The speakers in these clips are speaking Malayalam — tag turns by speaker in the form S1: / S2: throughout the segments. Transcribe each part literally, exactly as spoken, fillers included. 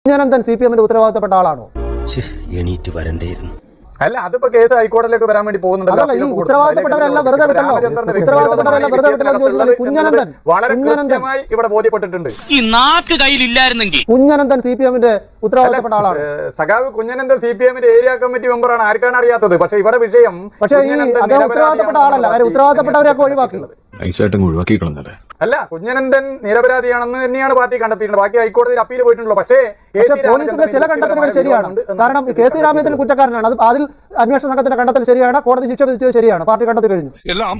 S1: കുഞ്ഞനന്തൻ സി പി എമ്മിന്റെ ഉത്തരവാദിത്തപ്പെട്ട ആളാണോ?
S2: എണീറ്റ് വരണ്ടേയിരുന്നു.
S3: അല്ല, അതിപ്പോ കേസ് ഹൈക്കോടതിയിലേക്ക് വരാൻ വേണ്ടി പോകുന്നുണ്ടല്ലോ.
S1: ഈ ഉത്തരവാദിത്തപ്പെട്ടവരെല്ലാം വെറുതെ വിട്ടല്ലോ. ഉത്തരവാദിത്തപ്പെട്ടവരെല്ലാം വെറുതെ വിട്ടല്ലോ ചോദിച്ചാൽ കുഞ്ഞനന്തൻ
S3: വളരെ കൃത്യമായി ഇവിടെ ബോധ്യപ്പെട്ടിട്ടുണ്ട്.
S4: ഈ നാക്ക് കയ്യിലില്ലായിരുന്നെങ്കിൽ
S1: കുഞ്ഞനന്തൻ സി പി എമ്മിന്റെ ഉത്തരവാദിത്തപ്പെട്ട ആളാണ്.
S3: സഖാവ് കുഞ്ഞനന്തൻ സി പി എമ്മിന്റെ ഏരിയ കമ്മിറ്റി മെമ്പറാണ്. ആർക്കാണ് അറിയാത്തത്? പക്ഷെ ഇവിടെ വിഷയം
S1: പക്ഷേ ഈ അദ്ദേഹം ഉത്തരവാദിത്തപ്പെട്ട ആളല്ല. അവർ ഉത്തരവാദിത്തപ്പെട്ടവരെയൊക്കെ ഒഴിവാക്കി.
S3: അല്ല, കുഞ്ഞനന്തൻ നിരപരാധിയാണെന്ന് തന്നെയാണ് പാർട്ടി കണ്ടെത്തിയിട്ടുണ്ട്. ബാക്കി ഹൈക്കോടതിയിൽ അപ്പീൽ പോയിട്ടുള്ളൂ. പക്ഷേ
S1: പോലീസിന്റെ ചില കണ്ടെത്തലുകൾ ശരിയാണ്. കാരണം കെ സി രാമചന്ദ്രൻ കുറ്റക്കാരനാണ്. അത് അതിൽ അന്വേഷണ സംഘത്തിന്റെ കണ്ടെത്തൽ ശരിയാണ്. കോടതി ശിക്ഷ വിധിച്ചത് ശരിയാണ്. പാർട്ടി കണ്ടെത്തി കഴിഞ്ഞു.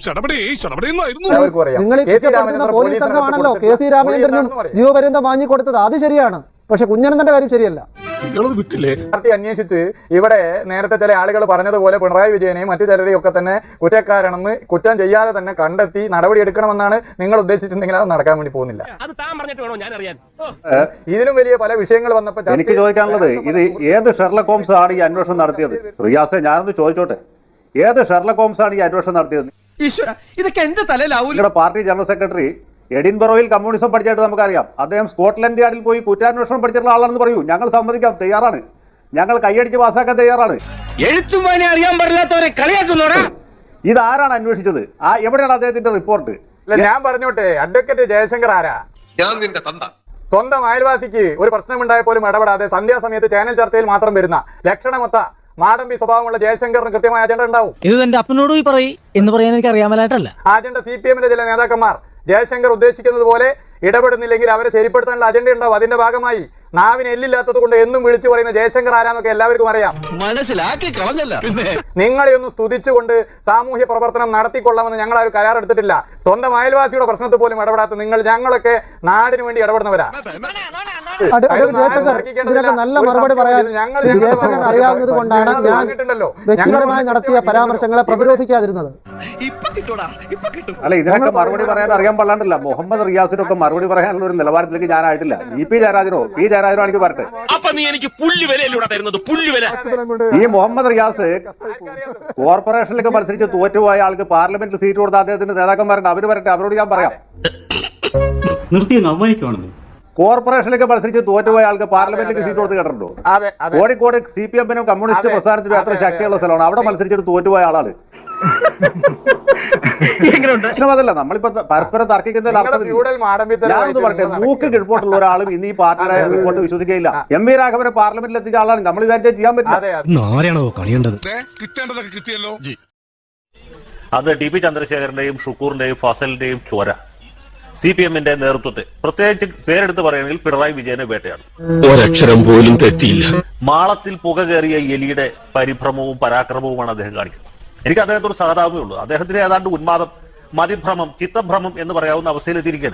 S1: നിങ്ങൾ ഈ കുറ്റപ്പെടുത്തുന്ന പോലീസ് സംഘമാണല്ലോ കെ സി രാമചന്ദ്രനും ജീവപര്യന്തം വാങ്ങിക്കൊടുത്തത്. അത് ശരിയാണ്. പക്ഷെ കുഞ്ഞനന്തന്റെ കാര്യം ശരിയല്ല.
S3: പാർട്ടി അന്വേഷിച്ച് ഇവിടെ നേരത്തെ ചില ആളുകൾ പറഞ്ഞതുപോലെ പിണറായി വിജയനെയും മറ്റു ചിലരെയും ഒക്കെ തന്നെ കുറ്റക്കാരാണെന്ന് കുറ്റം ചെയ്യാതെ തന്നെ കണ്ടെത്തി നടപടി എടുക്കണമെന്നാണ് നിങ്ങൾ ഉദ്ദേശിച്ചിട്ടുണ്ടെങ്കിൽ അത് നടക്കാൻ വേണ്ടി പോകുന്നില്ല. ഇതിലും വലിയ പല വിഷയങ്ങൾ വന്നപ്പോൾ
S5: എനിക്ക് ചോദിക്കാനുള്ളത്, ഇത് ഏത് ഷെർലക് ഹോംസ് ആണ് ഈ അന്വേഷണം നടത്തിയത്? റിയാസെ, ഞാനൊന്ന് ചോദിച്ചോട്ടെ, ഏത് ഷെർലക് ഹോംസ് ആണ് ഈ അന്വേഷണം നടത്തിയത്?
S4: ഇതൊക്കെ എന്റെ തലയിലാവൂല.
S5: നിങ്ങളുടെ പാർട്ടി ജനറൽ സെക്രട്ടറി എഡിൻബറോയിൽ കമ്മ്യൂണിസം പഠിച്ചായിട്ട് നമുക്കറിയാം. അദ്ദേഹം സ്കോട്ട്ലൻഡ് യാർഡിൽ പോയി കുറ്റാന്വേഷണം പഠിച്ചിട്ടുള്ള ആളാണെന്ന് പറയൂ. ഞങ്ങൾ സമ്മതിക്കാൻ തയ്യാറാണ്. ഞങ്ങൾ കൈയടിച്ച് പാസ്സാക്കാൻ തയ്യാറാണ്.
S4: എഴുത്തും വായന അറിയാൻ പാടില്ലാത്തവരെ കളിയാക്കുന്നോടാ.
S5: ഇതാരാണ് അന്വേഷിച്ചത്? ആ എവിടെയാണ് അദ്ദേഹത്തിന്റെ റിപ്പോർട്ട്?
S3: ഞാൻ പറഞ്ഞോട്ടെ, അഡ്വക്കേറ്റ് ജയശങ്കർ ആരാ? സ്വന്തം അയൽവാസിക്ക് ഒരു പ്രശ്നമുണ്ടായ പോലും ഇടപെടാതെ സന്ധ്യാസമയത്ത് ചാനൽ ചർച്ചയിൽ മാത്രം വരുന്ന ലക്ഷണമൊത്ത മാടമ്പി സ്വഭാവമുള്ള ജയശങ്കറിന് കൃത്യമായ അജണ്ട ഉണ്ടാവും.
S6: ഇത് എന്റെ അപ്പനോട് പോയി പറയും എന്ന് പറയാൻ എനിക്ക് അറിയാമലായിട്ടല്ല.
S3: അജണ്ട സി പി എമ്മിന്റെ ചില നേതാക്കന്മാർ ജയശങ്കർ ഉദ്ദേശിക്കുന്നത് പോലെ ഇടപെടുന്നില്ലെങ്കിൽ അവരെ ശരിപ്പെടുത്താനുള്ള അജണ്ട ഉണ്ടാവും. അതിന്റെ ഭാഗമായി നാവിന് എല്ലില്ലാത്തത് കൊണ്ട് എന്നും വിളിച്ചു പറയുന്ന ജയശങ്കർ ആരാന്നൊക്കെ എല്ലാവർക്കും അറിയാം.
S4: മനസ്സിലാക്കി കളഞ്ഞല്ല.
S3: നിങ്ങളെ ഒന്ന് സ്തുതിച്ചുകൊണ്ട് സാമൂഹ്യ പ്രവർത്തനം നടത്തിക്കൊള്ളാമെന്ന് ഞങ്ങൾ ആ ഒരു കരാർ എടുത്തിട്ടില്ല. സ്വന്തം അയൽവാസിയുടെ പ്രശ്നത്തിൽ പോലും ഇടപെടാത്ത നിങ്ങൾ ഞങ്ങളൊക്കെ നാടിന് വേണ്ടി ഇടപെടുന്നവരാ.
S1: ഇതിനൊക്കെ നല്ല മറുപടി പറയാൻ ജയശങ്കർ അറിയാവുന്നത് കൊണ്ടാണ് ഞാൻ വ്യക്തിപരമായി നടത്തിയ പരാമർശങ്ങളെ പ്രതിരോധിക്കാതിരുന്നത്.
S5: അല്ല, ഇതിനൊക്കെ മറുപടി പറയാൻ അറിയാൻ പാടില്ല. മുഹമ്മദ് റിയാസിനൊക്കെ മറുപടി പറയാനുള്ള ഒരു നിലവാരത്തിലേക്ക് ഞാനായിട്ടില്ല. ഇ പി ജയരാജനോ പി ജയരാജനോ എനിക്ക് പറട്ടെ. ഈ മുഹമ്മദ് റിയാസ് കോർപ്പറേഷനിലേക്ക് മത്സരിച്ച് തോറ്റുപോയ ആൾക്ക് പാർലമെന്റിൽ സീറ്റ് കൊടുത്ത അദ്ദേഹത്തിന്റെ നേതാക്കന്മാരുണ്ട്. അവര് വരട്ടെ, അവരോട് ഞാൻ പറയാം. കോർപ്പറേഷനിലേക്ക് മത്സരിച്ച് തോറ്റുപോയ ആൾക്ക് പാർലമെന്റിലേക്ക് സീറ്റ് കൊടുത്ത് കേട്ടിട്ടുണ്ടോ? കോഴിക്കോട് സി പി എമ്മിനും കമ്മ്യൂണിസ്റ്റ് പ്രസ്ഥാനത്തിനും അത്ര ശക്തിയുള്ള സ്ഥലമാണ്. അവിടെ മത്സരിച്ചിട്ട് തോറ്റുപോയ ആളാണ്. പ്രശ്നമതല്ല, നമ്മളിപ്പോ പരസ്പരം തർക്കിക്കുന്നതിൽ ഞാനൊന്ന് പറട്ടെ, മൂക്ക് കിഴപ്പോട്ടുള്ള ഒരാളും ഇന്ന് ഈ പാർട്ടിയുടെ റിപ്പോർട്ട് വിശ്വസിക്കുകയില്ല. എം വി രാഘവനെ പാർലമെന്റിൽ എത്തിച്ച ആളാണ്. നമ്മൾ വിചാരിച്ചാൽ ചെയ്യാൻ പറ്റില്ല.
S7: അത് ടി പി ചന്ദ്രശേഖരന്റെയും ഷുക്കൂറിന്റെയും ഫസലിന്റെയും ചോര സി പി എമ്മിന്റെ നേതൃത്വത്തെ, പ്രത്യേകിച്ച് പേരെടുത്ത് പറയുകയാണെങ്കിൽ പിണറായി വിജയനെ വേട്ടയാണ്.
S2: ഒരക്ഷരം പോലും തെറ്റിയില്ല.
S7: മാളത്തിൽ പുക കയറിയ എലിയുടെ പരിഭ്രമവും പരാക്രമവുമാണ് അദ്ദേഹം കാണിക്കുന്നത്. എനിക്ക് അദ്ദേഹത്തോട് സഹതാപമേ ഉള്ളൂ. അദ്ദേഹത്തിന് ഏതാണ്ട് ഉന്മാദം, മതിഭ്രമം, ചിത്തഭ്രമം എന്ന് പറയാവുന്ന അവസ്ഥയിലെത്തിയിരിക്കുകയാണ്.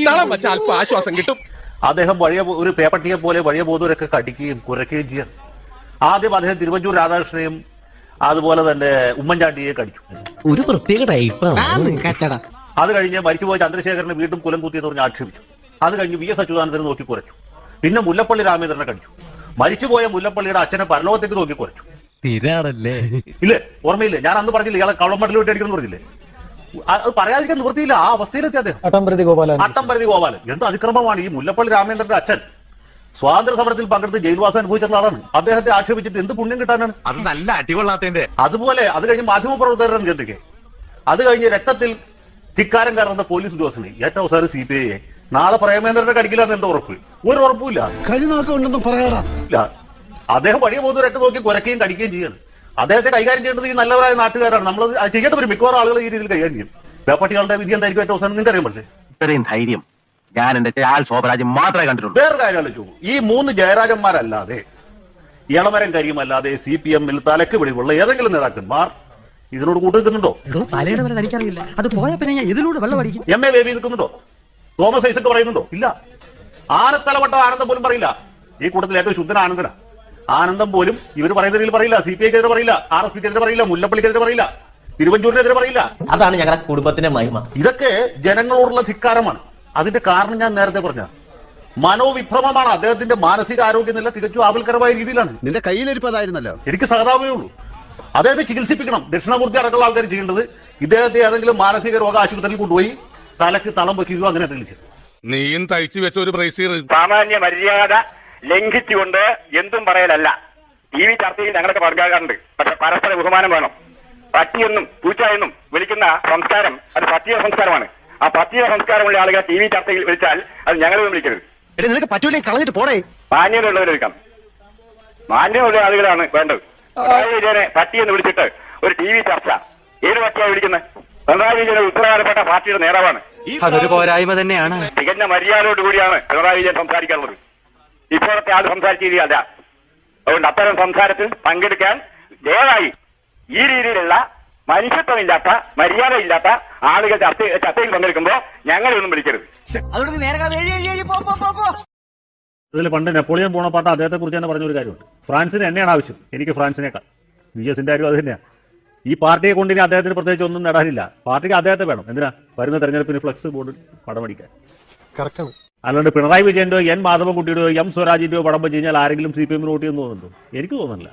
S7: അദ്ദേഹം വഴിയ ഒരു പേപ്പട്ടിയെ പോലെ വഴിയ ബോധവരൊക്കെ കടിക്കുകയും കുരയ്ക്കുകയും ചെയ്യാൻ. ആദ്യം അദ്ദേഹം തിരുവഞ്ചൂർ രാധാകൃഷ്ണനെയും അതുപോലെ തന്നെ ഉമ്മൻചാണ്ടിയെ കടിച്ചു.
S6: ഒരു പ്രത്യേക ടൈപ്പാണ്.
S7: അത് കഴിഞ്ഞ് മരിച്ചുപോയ ചന്ദ്രശേഖരനെ വീണ്ടും കുലം കുത്തിയെന്ന് പറഞ്ഞ് ആക്ഷേപിച്ചു. അത് കഴിഞ്ഞ് വി എസ് അച്യുതാനന്ദനെ നോക്കി കുറച്ചു. പിന്നെ മുല്ലപ്പള്ളി രാമചന്ദ്രനെ കടിച്ചു. മരിച്ചുപോയ മുല്ലപ്പള്ളിയുടെ അച്ഛനെ പരലോകത്തേക്ക് നോക്കി കുറച്ചു. ഇല്ലേ, ഓർമ്മയില്ലേ? ഞാൻ അന്ന് പറഞ്ഞില്ലേ ഇയാളെ കള്ളമടൽ വിട്ട് അടിക്കണം പറഞ്ഞില്ലേ? അത് പറയാതിരിക്കാൻ നിവൃത്തിയില്ല. ആ അവസ്ഥയിലെത്തി അദ്ദേഹം.
S1: അട്ടംപ്രതി ഗോപാലൻ
S7: അട്ടംപ്രതി ഗോപാലൻ എന്ത് അതിക്രമമാണ്! ഈ മുല്ലപ്പള്ളി രാമചന്ദ്രന്റെ അച്ഛൻ സ്വാതന്ത്ര്യ സമരത്തിൽ പങ്കെടുത്ത് ജയിൽവാസം അനുഭവിച്ചിട്ടുള്ള ആളാണ്. അദ്ദേഹത്തെ ആക്ഷേപിച്ചിട്ട് എന്ത് പുണ്യം കിട്ടാനാണ്?
S4: അത് നല്ല അടികൊള്ളാത്തതിന്റെ.
S7: അതുപോലെ അത് കഴിഞ്ഞ് മാധ്യമപ്രവർത്തകരുടെ ചിന്തിക്കെ, അത് കഴിഞ്ഞ് രക്തത്തിൽ ധിക്കാരം കയറുന്ന പോലീസ് ഉദ്യോഗസ്ഥനെ ഏറ്റവും അവസാനം സി പി ഐ നാളെ പ്രേമേന്ദ്രനെ കടിക്കില്ലാന്ന് എന്താ ഉറപ്പ്? ഒരു ഉറപ്പില്ല. അദ്ദേഹം വഴിയ പോകുന്നവരൊക്കെ നോക്കി കുരയ്ക്കുകയും കടിക്കുകയും ചെയ്യാണ്. അദ്ദേഹത്തെ കൈകാര്യം ചെയ്യേണ്ടത് ഈ നല്ലവരായ നാട്ടുകാരാണ്. നമ്മൾ ചെയ്യേണ്ട വരും. മിക്കവാറും ആളുകൾ ഈ രീതിയിൽ കൈകാര്യം ചെയ്യും. പേപ്പട്ടികളുടെ വിധി എന്തായിരിക്കും ഏറ്റവും അവസാനം നിങ്ങൾക്ക് അറിയാൻ പറ്റില്ലേ?
S4: ഇത്രയും ധൈര്യം ഞാൻ എന്റെ ആൾ ശോഭരാജൻ മാത്രമേ കണ്ടിട്ടുള്ളൂ.
S7: വേറെ കാര്യം ആലോചിച്ചു, ഈ മൂന്ന് ജയരാജന്മാരല്ലാതെ, ഇളമരം കരിയുമല്ലാതെ സി പി എമ്മിൽ തലക്ക് വെളിവുള്ള ഏതെങ്കിലും നേതാക്കന്മാർ ഇതിനോട് കൂട്ടുനിൽക്കുന്നുണ്ടോ? എം എ ബേബി നിൽക്കുന്നുണ്ടോ? തോമസ് ഐസക് പറയുന്നുണ്ടോ? ഇല്ല. ആനത്തലവട്ട ആനന്ദം പോലും പറയില്ല. ഈ കൂട്ടത്തിൽ ഏറ്റവും ശുദ്ധന ആനന്ദന ആനന്ദം പോലും ഇവർ പറയുന്ന രീതിയിൽ പറയില്ല. സി പി ഐക്കെതിരെ പറയില്ല, ആർ എസ് പിക്കെതിരെ പറയില്ല, മുല്ലപ്പള്ളിക്കെതിരെ പറയില്ല, തിരുവഞ്ചൂരിനെതിരെ പറയില്ല.
S6: അതാണ് ഞങ്ങളുടെ കുടുംബത്തിന്റെ മഹിമ.
S7: ഇതൊക്കെ ജനങ്ങളോടുള്ള ധിക്കാരമാണ്. അതിന്റെ കാരണം ഞാൻ നേരത്തെ പറഞ്ഞ മനോവിഭ്രമമാണ്. അദ്ദേഹത്തിന്റെ മാനസിക ആരോഗ്യനില തികച്ചും ആപൽക്കരമായ രീതിയിലാണ്.
S2: നിന്റെ കയ്യിലിരിപ്പതായിരുന്നല്ലോ.
S7: എനിക്ക് സഹതാപമേ ഉള്ളൂ. അദ്ദേഹത്തെ ചികിത്സിപ്പിക്കണം. ദക്ഷിണമൂർത്തി അടക്കമുള്ള ആൾക്കാർ ചെയ്യേണ്ടത് ഇദ്ദേഹത്തെ ഏതെങ്കിലും മാനസിക രോഗ ആശുപത്രിയിൽ കൊണ്ടുപോയി തലക്ക് തളം വെക്കുകയോ അങ്ങനെ എന്തെങ്കിലും ചെയ്യും.
S8: നീയും തയ്ച്ചു വെച്ച ഒരു ബ്രേസീർ
S3: സാമാന്യ മര്യാദ
S8: ലംഘിച്ചുകൊണ്ട് എന്തും പറയലല്ല. ടി വി ചർച്ചയിൽ ഞങ്ങളൊക്കെ പങ്കാകാറുണ്ട്. പക്ഷെ പരസ്പര ബഹുമാനം വേണം. പട്ടിയെന്നും പൂച്ച എന്നും വിളിക്കുന്ന സംസ്കാരം അത് പട്ടിയ സംസ്കാരമാണ്. ആ പട്ടിയ സംസ്കാരമുള്ള ആളുകളെ ടി വി ചർച്ചയിൽ വിളിച്ചാൽ അത് ഞങ്ങളൊന്നും വിളിക്കരുത്.
S2: നിനക്ക് പറ്റൂലേ കളഞ്ഞിട്ട് പോടേ.
S8: മാന്യതയുള്ളവരെ വിളിക്കാം. മാന്യമുള്ള ആളുകളാണ് വേണ്ടത്. പിണറായി വിജയനെ പട്ടിയെന്ന് വിളിച്ചിട്ട് ഒരു ടി വി ചർച്ച ഏത് പട്ടിയാണ് വിളിക്കുന്നത്? പിണറായി വിജയൻ ഉത്തരവാദപ്പെട്ട പാർട്ടിയുടെ നേതാവാണ്.
S2: അതൊരു പോരായ്മ തന്നെയാണ്.
S8: തികഞ്ഞ മര്യാദയോടുകൂടിയാണ് പിണറായി വിജയൻ സംസാരിക്കാറുള്ളത്. ഇപ്പോഴത്തെ ആൾ സംസാരിച്ച രീതിയല്ല. അതുകൊണ്ട് അത്തരം സംസാരത്തിൽ പങ്കെടുക്കാൻ ദയവായി ഈ രീതിയിലുള്ള മനുഷ്യത്വമില്ലാത്ത മര്യാദയില്ലാത്ത ആളുകൾ ചർച്ച ചർച്ചയിൽ പങ്കെടുക്കുമ്പോൾ ഞങ്ങളെയൊന്നും വിളിക്കരുത്.
S7: ഇതിൽ പണ്ട് നെപ്പോളിയൻ ബോണപ്പാർട്ട് അദ്ദേഹത്തെ കുറിച്ച് തന്നെ പറഞ്ഞൊരു കാര്യമുണ്ട്. ഫ്രാൻസിന് എന്നെയാണ് ആവശ്യം, എനിക്ക് ഫ്രാൻസിനേക്കാൾ. വി എസിന്റെ കാര്യം അത് തന്നെയാണ്. ഈ പാർട്ടിയെ കൊണ്ട് ഇനി അദ്ദേഹത്തിന് പ്രത്യേകിച്ച് ഒന്നും നേടാനില്ല. പാർട്ടിക്ക് അദ്ദേഹത്തെ വേണം. എന്തിനാ? വരുന്ന തെരഞ്ഞെടുപ്പിന് ഫ്ലക്സ് ബോർഡ് പടം അടിക്കാൻ. അല്ലാണ്ട് പിണറായി വിജയന്റെയോ എൻ മാധവൻകുട്ടിയുടെയോ എം സ്വരാജിന്റെയോ പടം വെച്ച് കഴിഞ്ഞാൽ ആരെങ്കിലും സി പി എമ്മിന് വോട്ട് ചെയ്യുന്നു തോന്നുന്നുണ്ടോ? എനിക്ക് തോന്നുന്നില്ല.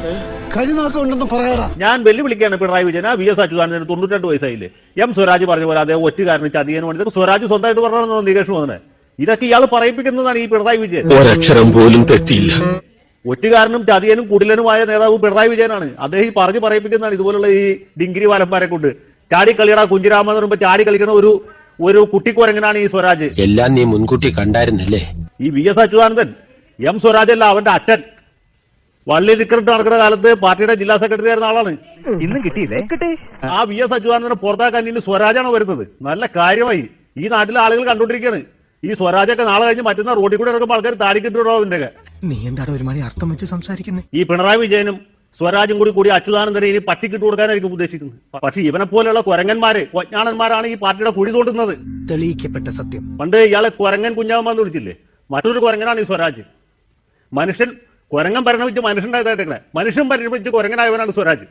S7: ഞാൻ വെല്ലുവിളിക്കുകയാണ് പിണറായി വിജയൻ. ആ വി എസ് അച്യുതാനന്ദന് തൊണ്ണൂറ്റി വയസ്സായില്ലേ? എം സ്വരാജ് പറഞ്ഞ പോലെ അദ്ദേഹം ഒറ്റുകാരന് ചതിയന് വേണ്ടി ഇതൊക്കെ സ്വരാജ് സ്വന്തമായിട്ട് പറഞ്ഞാൽ നികേഷ് തോന്നുന്നത്. ഇതൊക്കെ ഇയാൾ പറയിപ്പിക്കുന്നതാണ് ഈ പിണറായി വിജയൻ.
S2: ഒരക്ഷരം പോലും തെറ്റിയില്ല.
S7: ഒറ്റുകാരനും ചതിയനും കുടിലനുമായ നേതാവ് പിണറായി വിജയനാണ്. അദ്ദേഹം ഈ പറഞ്ഞു പറയിപ്പിക്കുന്നതാണ് ഇതുപോലുള്ള ഈ ഡിഗ്രി വാലന്മാരെ കൊണ്ട്. ചാടി കളിയട കുഞ്ചിരാമ എന്ന് പറയുമ്പോൾ ചാടി കളിക്കുന്ന ഒരു ഒരു കുട്ടിക്കുരങ്ങനാണ് ഈ സ്വരാജ്.
S2: എല്ലാം നീ മുൻകൂട്ടി കണ്ടായിരുന്നല്ലേ?
S7: ഈ V S Achuthanandan M Swaraj അല്ല, അവന്റെ അച്ഛൻ വള്ളി റിക്രൂട്ട് നടക്കുന്ന കാലത്ത് പാർട്ടിയുടെ ജില്ലാ സെക്രട്ടറി ആയിരുന്ന ആളാണ്.
S4: ഇന്നും കിട്ടിയില്ലേ?
S7: ആ വി എസ് അച്യുതാനന്ദനെ പുറത്താക്കാൻ ഇനി സ്വരാജാണ് വരുന്നത്. നല്ല കാര്യമായി. ഈ നാട്ടിലെ ആളുകൾ കണ്ടുകൊണ്ടിരിക്കുകയാണ്. ഈ സ്വരാജൊക്കെ നാളെ കഴിഞ്ഞ് മറ്റുന്ന റോഡിൽ കൂടെ ഇറക്കുമ്പോൾ ആൾക്കാർ താടിക്കിട്ടുണ്ടോ അവന്റെ.
S2: നീ എന്താടോ ഒരു മണി അർത്ഥം വെച്ച് സംസാരിക്കുന്നത്?
S7: ഈ പിണറായി വിജയനും സ്വരാജും കൂടി കൂടി അച്യുതാനന്ദനെ ഇനി പട്ടിക്കിട്ട് കൊടുക്കാനായിരിക്കും ഉദ്ദേശിക്കുന്നത്. പക്ഷെ ഇവനെ പോലെയുള്ള കുരങ്ങന്മാര് കൊഞ്ഞാണന്മാരാണ് ഈ പാർട്ടിയുടെ കുഴി തോണ്ടുന്നത്.
S2: തെളിയിക്കപ്പെട്ട സത്യം.
S7: പണ്ട് ഇയാളെ കുരങ്ങൻ കുഞ്ഞാമെന്ന് വിളിച്ചില്ലേ? മറ്റൊരു കുരങ്ങനാണ് ഈ സ്വരാജ്. മനുഷ്യൻ കുരങ്ങൻ പരിണമിച്ച് മനുഷ്യണ്ടായതായിട്ടേ മനുഷ്യൻ പരിണമിച്ച് കുരങ്ങനായവനാണ് സ്വരാജ്.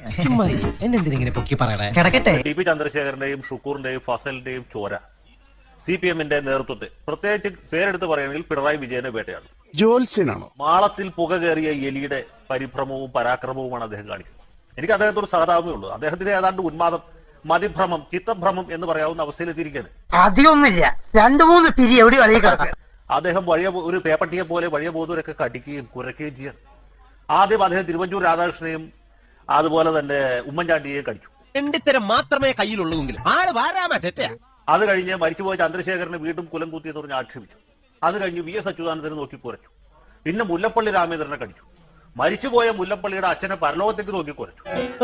S7: ടി പി ചന്ദ്രശേഖരന്റെയും ഷുക്കൂറിന്റെയും ഫസലിന്റെയും ചോര സി പി എമ്മിന്റെ നേതൃത്വത്തെ പ്രത്യേകിച്ച് പേരെടുത്ത് പറയുകയാണെങ്കിൽ പിണറായി വിജയനെ വേട്ടയാണ്.
S2: ജോത്സ്യനാണോ?
S7: മാളത്തിൽ പുക കയറിയ എലിയുടെ പരിഭ്രമവും പരാക്രമവുമാണ് അദ്ദേഹം കാണിക്കുന്നത്. എനിക്ക് അദ്ദേഹത്തോട് സഹതാപമേ ഉള്ളൂ. അദ്ദേഹത്തിന് ഏതാണ്ട് ഉന്മാദം, മതിഭ്രമം, ചിത്തഭ്രമം എന്ന് പറയാവുന്ന അവസ്ഥയിലെത്തിയിരിക്കുകയാണ്.
S6: അധികമൊന്നുമില്ല, രണ്ടു മൂന്ന് പിരി എവിടെ വഴി.
S7: അദ്ദേഹം വഴിയ ഒരു പേപ്പട്ടിയെ പോലെ വഴിയ ബോധൂരൊക്കെ കടിക്കുകയും കുരയ്ക്കുകയും ചെയ്യാൻ. ആദ്യം അദ്ദേഹം തിരുവഞ്ചൂർ രാധാകൃഷ്ണനെയും അതുപോലെ തന്നെ ഉമ്മൻചാണ്ടിയെയും കടിച്ചു.
S2: രണ്ടിത്തരം മാത്രമേ കയ്യിലുള്ളൂങ്കിൽ ആള് വാരാമ തെറ്റ.
S7: അത് കഴിഞ്ഞ് മരിച്ചുപോയ ചന്ദ്രശേഖരനെ വീണ്ടും കുലം കുത്തിയെന്ന് പറഞ്ഞ് ആക്ഷേപിച്ചു. അത് കഴിഞ്ഞ് വി എസ് അച്യുതാനന്ദനെ നോക്കി കുരച്ചു. പിന്നെ മുല്ലപ്പള്ളി രാമേന്ദ്രനെ കടിച്ചു. മരിച്ചുപോയ മുല്ലപ്പള്ളിയുടെ അച്ഛനെ പരലോകത്തേക്ക് നോക്കി കുരച്ചു.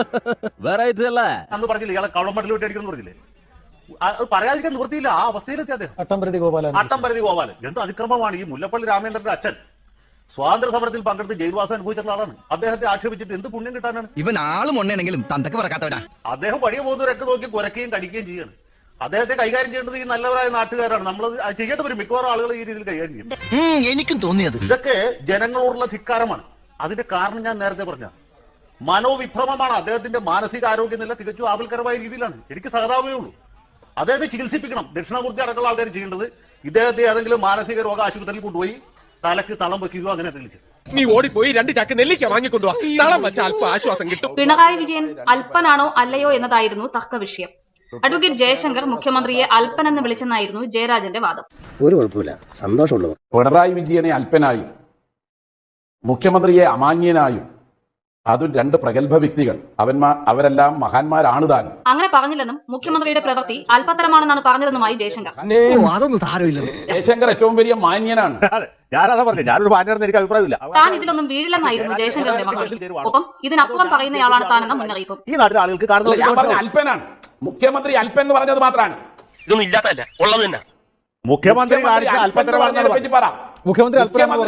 S7: അന്ന് പറഞ്ഞില്ലേ ഇയാളെ കവളമടലിൽ വിട്ട് അടിക്കണം പറഞ്ഞില്ലേ? അത് പറയാതിരിക്കാൻ നിവൃത്തിയില്ല. ആ അവസ്ഥയിലെത്തി അദ്ദേഹം.
S1: അട്ടംപരതി ഗോപാലൻ
S7: അട്ടംപരതി ഗോപാലൻ എന്ത് അതിക്രമമാണ്! ഈ മുല്ലപ്പള്ളി രാമേന്ദ്രന്റെ അച്ഛൻ സ്വാതന്ത്ര്യ സമരത്തിൽ പങ്കെടുത്ത് ജയിൽവാസം അനുഭവിച്ചിട്ടുള്ള ആളാണ്. അദ്ദേഹത്തെ ആക്ഷേപിച്ചിട്ട് എന്ത് പുണ്യം കിട്ടാനാണ്?
S6: ഇവൻ ആളും ഒന്നെങ്കിലും തന്തക്ക് പറക്കാത്തവനാ.
S7: അദ്ദേഹം വഴിയ പോകുന്നവരൊക്കെ നോക്കി കുരയ്ക്കുകയും കടിക്കുകയും ചെയ്യാണ്. അദ്ദേഹത്തെ കൈകാര്യം ചെയ്യേണ്ടത് ഈ നല്ലവരായ നാട്ടുകാരാണ്. നമ്മൾ ചെയ്യേണ്ട ഒരു മിക്കവാറും ആളുകൾ ഈ രീതിയിൽ കൈകാര്യം ചെയ്യും.
S6: എനിക്കും തോന്നിയത്
S7: ഇതൊക്കെ ജനങ്ങളോടുള്ള ധിക്കാരമാണ്. അതിന്റെ കാരണം ഞാൻ നേരത്തെ പറഞ്ഞ മനോവിഭ്രമമാണ്. അദ്ദേഹത്തിന്റെ മാനസിക ആരോഗ്യനില തികച്ചും ആപൽക്കരമായ രീതിയിലാണ്. എനിക്ക് സഹതാപമേ ഉള്ളൂ. അദ്ദേഹത്തെ ചികിത്സിപ്പിക്കണം. ദക്ഷിണാമൂർത്തി അടക്കമുള്ള ആൾക്കാർ ചെയ്യേണ്ടത് ഇദ്ദേഹത്തെ ഏതെങ്കിലും മാനസിക രോഗ ആശുപത്രിയിൽ കൊണ്ടുപോയി തലക്ക് തളം വെക്കുകയോ അങ്ങനെ എന്തെങ്കിലും ചെയ്യും.
S2: നീ ഓടിപ്പോയി രണ്ട് ചാക്ക് നെല്ലിക്ക വാങ്ങിക്കൊണ്ടുവാ. തളം വെച്ച അല്പ ആശ്വാസം കിട്ടും.
S9: പിണറായി വിജയൻ അല്പനാണോ അല്ലയോ എന്നതായിരുന്നു തർക്ക വിഷയം. അഡ്വക്കേറ്റ് ജയശങ്കർ മുഖ്യമന്ത്രിയെ അല്പനെന്ന് വിളിച്ചെന്നായിരുന്നു ജയരാജന്റെ വാദം.
S2: ഒരു കുഴപ്പമില്ല, സന്തോഷമുള്ളത്.
S10: പിണറായി വിജയനെ അല്പനായും മുഖ്യമന്ത്രിയെ അമാന്യനായും, അതും രണ്ട് പ്രഗത്ഭ വ്യക്തികൾ, അവന്മാർ അവരെല്ലാം മഹാന്മാരാണ് താനും.
S9: അങ്ങനെ പറഞ്ഞില്ലെന്നും മുഖ്യമന്ത്രിയുടെ പ്രവൃത്തി അല്പത്തരമാണെന്നാണ് പറഞ്ഞതെന്നുമായി ജയശങ്കർ.
S6: അതൊന്നും സാരമില്ല.
S10: ജയശങ്കർ ഏറ്റവും വലിയ മാന്യനാണ്.
S5: ഞാനതാ പറഞ്ഞു, ഞാനൊരു മാന്യനാണെന്ന് എനിക്ക് അഭിപ്രായമില്ല.
S9: താൻ ഇതിലൊന്നും വീഴില്ലെന്നായിരുന്നു ജയശങ്കറിന്റെ മറുപടി. ഒപ്പം ഇതിനപ്പുറം പറയുന്നയാളാണ് താനെന്ന മുന്നറിയിപ്പും.
S5: ഈ നാട്ടിലെ ആളുകൾക്ക് കാണുന്നത്
S10: ഞാൻ പറഞ്ഞ അല്പനാണ്. മുഖ്യമന്ത്രി അല്പൻ എന്ന് പറഞ്ഞത് മാത്രമാണ്.
S4: ഇതൊന്നും ഇല്ലാത്തല്ല, ഉള്ളത് തന്നെ.
S5: മുഖ്യമന്ത്രി കാണിച്ച അല്പത്തരമാണെന്നതിനെ പറ്റി പറ. മുഖ്യമന്ത്രി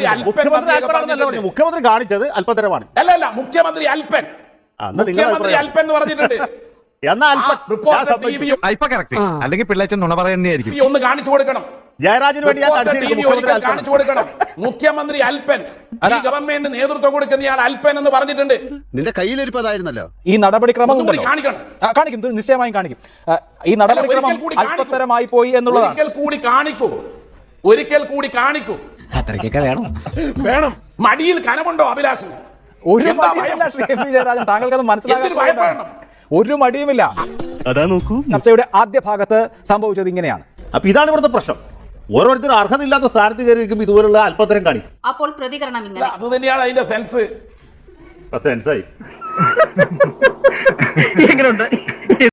S5: മുഖ്യമന്ത്രി കാണിച്ചത് അല്പത്തരമാണ്.
S10: അല്ല അല്ല മുഖ്യമന്ത്രി അല്പൻ മുഖ്യമന്ത്രി അല്പൻ എന്ന് പറഞ്ഞിട്ടുണ്ട്.
S4: അല്ലെങ്കിൽ പിള്ളേച്ചൻ നുണ പറയുന്നതായിരിക്കും.
S10: ഒന്ന് കാണിച്ചു കൊടുക്കണം.
S5: ജയരാജന് വേണ്ടി
S10: കാണിച്ചു കൊടുക്കണം. മുഖ്യമന്ത്രി അല്പൻ ഈ ഗവൺമെന്റ് നേതൃത്വം കൊടുക്കുന്നയാൾ അല്പൻ എന്ന് പറഞ്ഞിട്ടുണ്ട്.
S2: നിന്റെ കയ്യിലിരിപ്പതായിരുന്നല്ലോ.
S1: ഈ നടപടിക്രമം
S10: കാണിക്കണം.
S1: കാണിക്കും, നിശ്ചയമായും കാണിക്കും. ഈ നടപടിക്രമം അല്പത്തരമായി പോയി എന്നുള്ളതാണ്.
S10: ഒരിക്കൽ കൂടി കാണിക്കൂ, ഒരിക്കൽ കൂടി കാണിക്കൂ.
S6: അത്രയ്ക്കൊക്കെ വേണം
S10: വേണം മടിയിൽ കനമുണ്ടോ അഭിലാഷിന്?
S1: ഒരു ജയരാജൻ, താങ്കൾക്കത് മനസ്സിലാക്കാൻ ഒരു മടിയുമില്ല.
S4: അതാ നോക്കൂ,
S1: ചർച്ചയുടെ ആദ്യ ഭാഗത്ത് സംഭവിച്ചത് ഇങ്ങനെയാണ്.
S5: അപ്പൊ ഇതാണ് ഇവിടുത്തെ പ്രശ്നം.
S7: ഓരോരുത്തരും അർഹതയില്ലാത്ത സ്ഥാനത്ത് കയറി ഇരിക്കുമ്പോൾ ഇതുപോലുള്ള അല്പത്തരം കാണിക്കും.
S9: അപ്പോൾ പ്രതികരണം
S10: അല്ല,
S9: ഇങ്ങനെ.
S10: അത് തന്നെയാണ് അതിന്റെ സെൻസ്.
S7: സെൻസായി
S6: എങ്ങനെയുണ്ട്?